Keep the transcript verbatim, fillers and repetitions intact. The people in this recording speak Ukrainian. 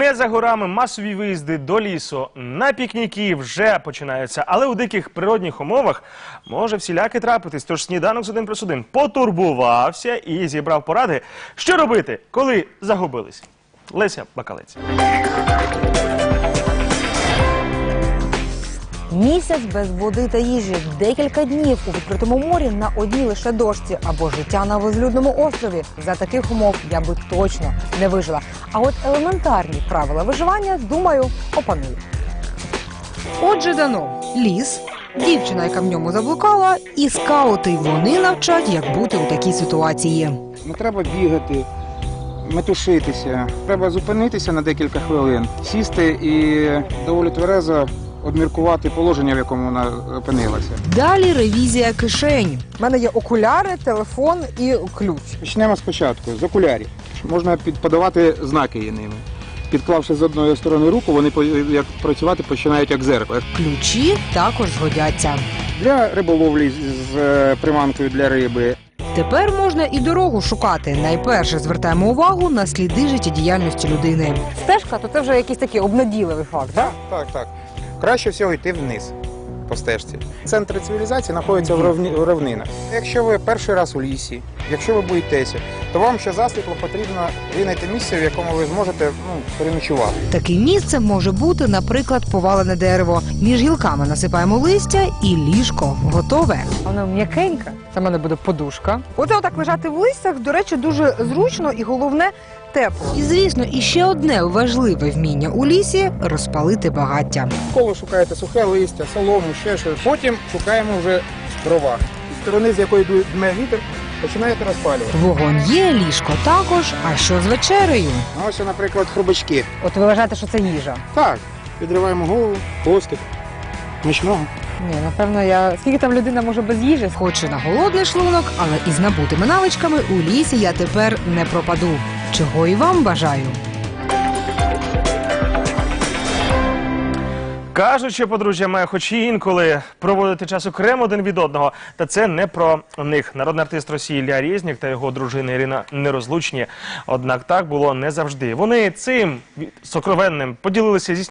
Не за горами масові виїзди до лісу, на пікніки вже починаються, але у диких природних умовах може всіляке трапитись. Тож сніданок з один плюс один потурбувався і зібрав поради, що робити, коли загубились. Леся Бакалець. Місяць без води та їжі, декілька днів у відкритому морі на одній лише дошці або життя на безлюдному острові. За таких умов я би точно не вижила. А от елементарні правила виживання, думаю, опаную. Отже, дано ліс, дівчина, яка в ньому заблукала, і скаути. Вони навчать, як бути у такій ситуації. Не треба бігати, метушитися. Треба зупинитися на декілька хвилин, сісти і доволі тверезо обміркувати положення, в якому вона опинилася. Далі ревізія кишень. У мене є окуляри, телефон і ключ. Почнемо спочатку, з окулярів. Можна подавати знаки ними. Підклавши з одної сторони руку, вони як працювати починають як дзеркало. Ключі також згодяться. Для риболовлі з приманкою для риби. Тепер можна і дорогу шукати. Найперше звертаємо увагу на сліди життєдіяльності людини. Стежка, то це вже якийсь такий обнадійливий факт, так? Так, так. Краще всього йти вниз по стежці. Центр цивілізації знаходиться в, равні, в равнинах. Якщо ви перший раз у лісі, якщо ви боїтеся, то вам ще засвітло потрібно винайти місце, в якому ви зможете ну, переночувати. Таке місце може бути, наприклад, повалене дерево. Між гілками насипаємо листя і ліжко готове. Воно м'якеньке. Це в мене буде подушка. Оце отак лежати в листях, до речі, дуже зручно і головне – тепло. І, звісно, іще одне важливе вміння у лісі – розпалити багаття. Коло шукаєте сухе листя, солому, ще щось. Потім шукаємо вже дрова. З сторони, з якої дме вітер, починаєте розпалювати. Вогонь є, ліжко також. А що з вечерею? Ось, наприклад, хрубачки. От ви вважаєте, що це їжа? Так, відриваємо голову, хвостик. Смачного. Ні, напевно, я... Скільки там людина може без їжі? Хоч і на голодний шлунок, але із набутими навичками у лісі я тепер не пропаду. Чого і вам бажаю. Кажуть, що подружжя має хоч і інколи проводити час окремо один від одного, та це не про них. Народний артист Росії Ілля Резнік та його дружина Ірина нерозлучні. Однак так було не завжди. Вони цим сокровенним поділилися зі